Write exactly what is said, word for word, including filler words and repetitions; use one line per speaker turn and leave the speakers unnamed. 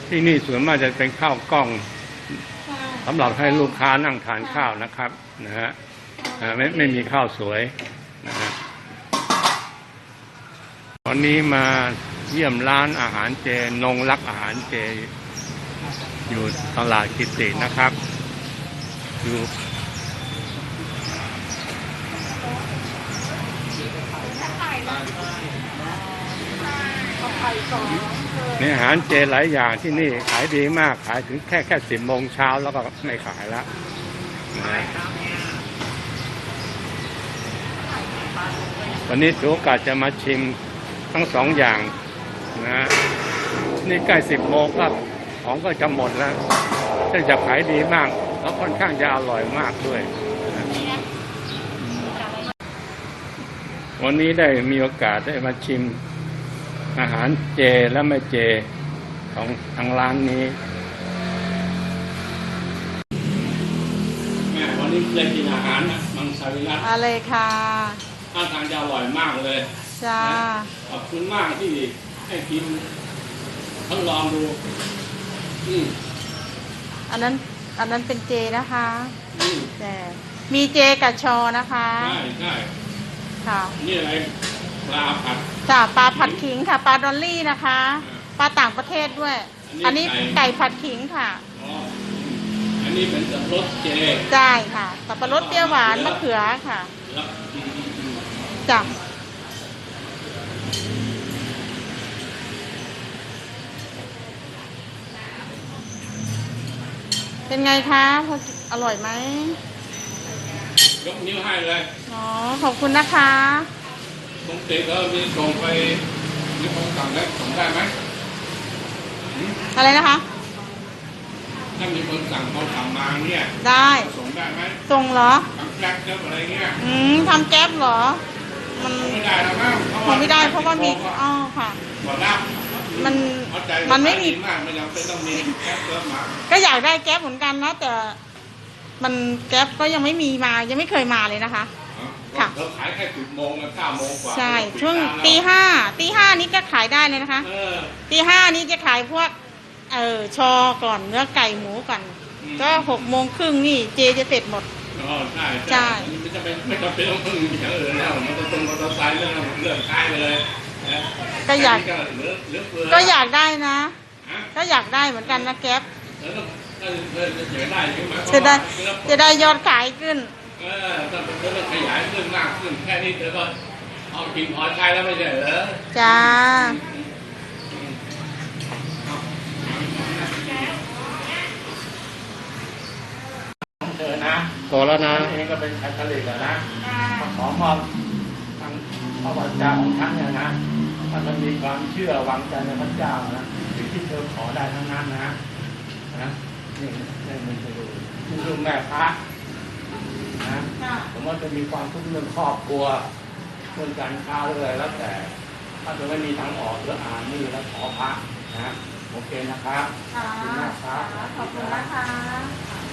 ที่นี่ส่วนมากจะเป็นข้าวกล้องสำหรับให้ลูกค้านั่งทานข้าวนะครับนะฮะไม่ไม่มีข้าวสวยนะฮะวันนี้มาเยี่ยมร้านอาหารเจนงรักอาหารเจอยู่ตลาดกิตินะครับอยู่นี่อาหารเจหลายอย่างที่นี่ขายดีมากขายถึงแค่แค่สิบโมงเช้าแล้วก็ไม่ขายแล้วนะวันนี้ถือโอกาสจะมาชิมทั้งสองอย่างนะนี่ใกล้สิบโมงก็ของก็จะหมดแล้วซึ่งจะขายดีมากแล้วค่อนข้างจะอร่อยมากด้วยนะวันนี้ได้มีโอกาสได้มาชิมอาหารเจและไม่เจของทางร้านนี้แม่วันนี้เลยกินอาหารนะมังสวิรัติ
อะไรค่ะ
ท่าทางจะอร่อยมากเลย
จ้า
ขอบคุณมากที่ให้กินทดลองดู
อันนั้นอันนั้นเป็นเจนะคะแต่มีเจกับชอนะคะ
ใช่ใช่
ค่ะ
นี่อะไรปลาผัด
จ้าปลาผัดขิงค่ะปลาดอลลี่นะคะปลาต่างประเทศด้วยอันนี้ไก่ผัดขิงค่ะ
อันนี้เป็นสับปะรดเจ
ใช่ค่ะสับปะรดเปรี้ยวหวานมะเขือค่ะจ้าเป็นไงคะอร่อยไหม
ยกนิ้วให้เลย
อ๋อขอบคุณนะคะ
ปกติก็มีส่งไปมีคนสั่งได้ส่งได้ไหม
อะไรนะคะ
ถ้ามีคนสั่งเขาสั่งมาเนี่ย
ได้
ส่งได้ไหม
ส่งเหรอ
ทำแก๊ปเจ้าอะไรเงี้ย
อืมทำแก๊ปเหรอ
มันไม่ได้แล้วมั้ง
มันไม่ได้เพราะว่ามีอ๋อค่ะ
หมดแล้ว
มันมันไม่มี
มากไม่จำเป็นต้องมีแก๊ปเพิ่มมา
ก็อยากได้แก๊ปเหมือนกันนะแต่มันแก๊ปก็ยังไม่มีมายังไม่เคยมาเลยนะคะ
ค่ะเราขายแค่สิบโมงกับเก้าโมงกว่า
ใช่ช่วงตีห้าตีห้านี้ก็ขายได้เลยนะคะตีห้านี้จะขายพวกเออชอก่อนเนื้อไก่หมูก่อนก็หกโมงครึ่งนี่เจจะเสร็จหมด
อ๋อใช่ใช่ไม่จำเป็นไม่จำเป็นต้องพึ่งอย่างอื่นแล้วมันต้องตรงมอเตอร์ไซค์เรื่องเรื่องขายไปเลย
ก็อยากก็อยากได้นะก็อยากได้เหมือนกันนะแก๊ปจะได้จะได้ยอดขายขึ้น
เออต้องต้องขยายขึ้นมากขึ้นแค่นี้เธอก็เอากินพอใช้แล้วไม่ใช่เหรอ
จ้า
เธอนะโตแล้วนะเองก็เป็นคาทอลิกแล้วนะขอมอบทางพระวจาของท่านเนี่ยนะถ้ามันมีความเชื่อวางใจในพระเจ้านะสิ่งที่เธอขอได้ทั้งนั้นนะนะนี่นี่มันจะดูดูแม่พระนะผมว่าจะมีความทุกข์เรื่องครอบครัวเรื่องการค้าเรื่องอะไรแล้วแต่ถ้าจะไม่มีทางออกหรืออ่านนี่แล้วขอพระนะโอเคนะครับขอบคุณมากครับ
ขอบคุณนะคะ